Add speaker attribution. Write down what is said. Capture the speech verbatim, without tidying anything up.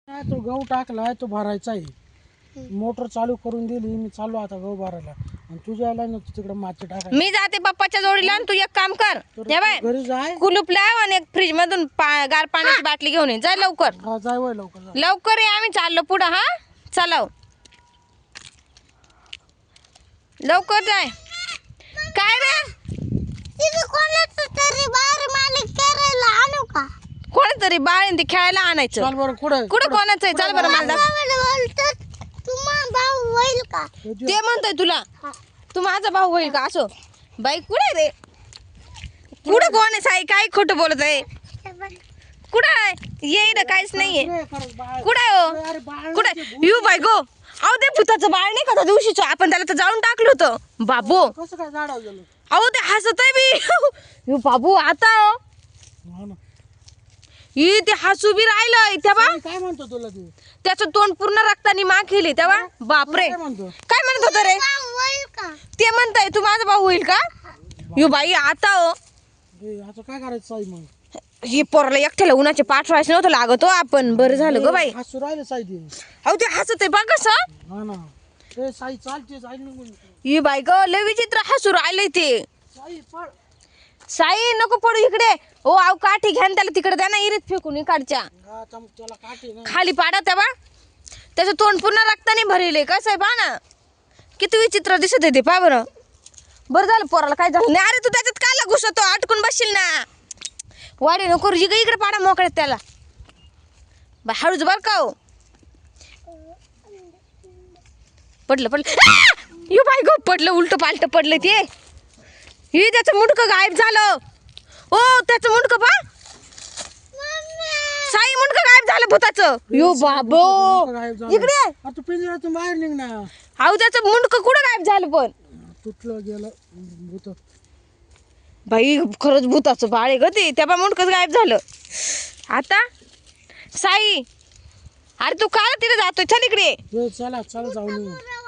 Speaker 1: तो गहू टाकलाय तो भरायचा आहे. मोटर चालू करून दिली मी चालू आता गहू भरायला आणि तुझ्या यायला ना तिकडे माती टाकायला.
Speaker 2: मी जाते पप्पाच्या जोडीला आणि तू एक काम कर हे बाय
Speaker 1: घरी जाय
Speaker 2: कुलूप लाव आणि एक फ्रीज मधून गार पाण्याची बाटली घेऊन ये. जा लवकर
Speaker 1: हा जाय वय लवकर जा.
Speaker 2: लवकर ये आम्ही चाललो पुढं. हा चलाव लवकर जाय. काय रे कोणतरी बाळ ते खेळायला आणायचं.
Speaker 1: चल बरं कुठं
Speaker 2: कुठं कोणाचं आहे चल बरं मला ते म्हणतोय तुला तू माझा भाऊ होईल का असो. बाई कुठे रे कुठं कोण आहे साई काय खोटं बोलत आहे. कुठं आहे ये इकडं काहीच नाहीये. कुठं आहे हो कुठं यू बाई गो. अहो ते भूताचं बाळ नाही का त्या दिवशीच आपण त्याला तर जाळून टाकलं होतं बाबू.
Speaker 1: कसं काय झाडावर गेलो.
Speaker 2: अहो ते हसत आहे बी यू बाबू आता हो
Speaker 1: हा ना.
Speaker 2: ही ते हसू बी राहिलं तेव्हा
Speaker 1: काय म्हणतो तुला ते
Speaker 2: त्याचं तोंड पूर्ण रक्तानी माग केली तेव्हा. बापरे
Speaker 1: काय म्हणतो
Speaker 2: काय म्हणत होतं रे ते म्हणताय तू माझा भाऊ होईल का. यू बाई आता हो
Speaker 1: ए, आता काय करायचं साई मग.
Speaker 2: हे पोराला एकट्याला उन्हाचे पाठवायचं नव्हतं लागत हो आपण. बरं झालं ग बाई.
Speaker 1: हसू राहिलं साई ते.
Speaker 2: अहो ते हसत आहे बघ कसं.
Speaker 1: हा ना ते साई चालते साई निघून
Speaker 2: ही बाई ग लय विचित्र हसू राहिलंय ते.
Speaker 1: साई पळ.
Speaker 2: साई नको पडू इकडे. ओ आव काठी घ्या त्याला तिकडे द्या ना इरीत फेकून इकडच्या
Speaker 1: हा चम त्याला काटे ना.
Speaker 2: खाली पाडा तेव्हा त्याचं तोंड पूर्ण रक्ताने भरले कसं आहे पहा ना किती विचित्र दिसत आहे ते. पहा बरं. बरं झालं पोराला काय झालं नाही. अरे तू त्याच्यात कायला घुसतो अटकून बसशील ना. वाडे नको इकडे इकडे पाडा मोकळ्यात त्याला. बा हळूच बर का हो. पडलं पडलं यू बाई गो पडलं उलट पालट पडलं ते. ही त्याचं मुंडकं गायब झालं. ओ त्याचं मुंडकं पा साई मुंडकं गायब झालं भूताचं. यो बाबो इकडे
Speaker 1: आता तू पिंजऱ्यातून बाहेर निघ ना.
Speaker 2: अहो त्याचं मुंडकं कुठं गायब झालं पण.
Speaker 1: तुटलं गेलं भूत.
Speaker 2: बाई खरंच भूताचं बाळ आहे ग ते. त्या मुंडकंच गायब झालं. आता साई अरे तू काय तिथे जातोय चल इकडे.
Speaker 1: चला चला जाऊ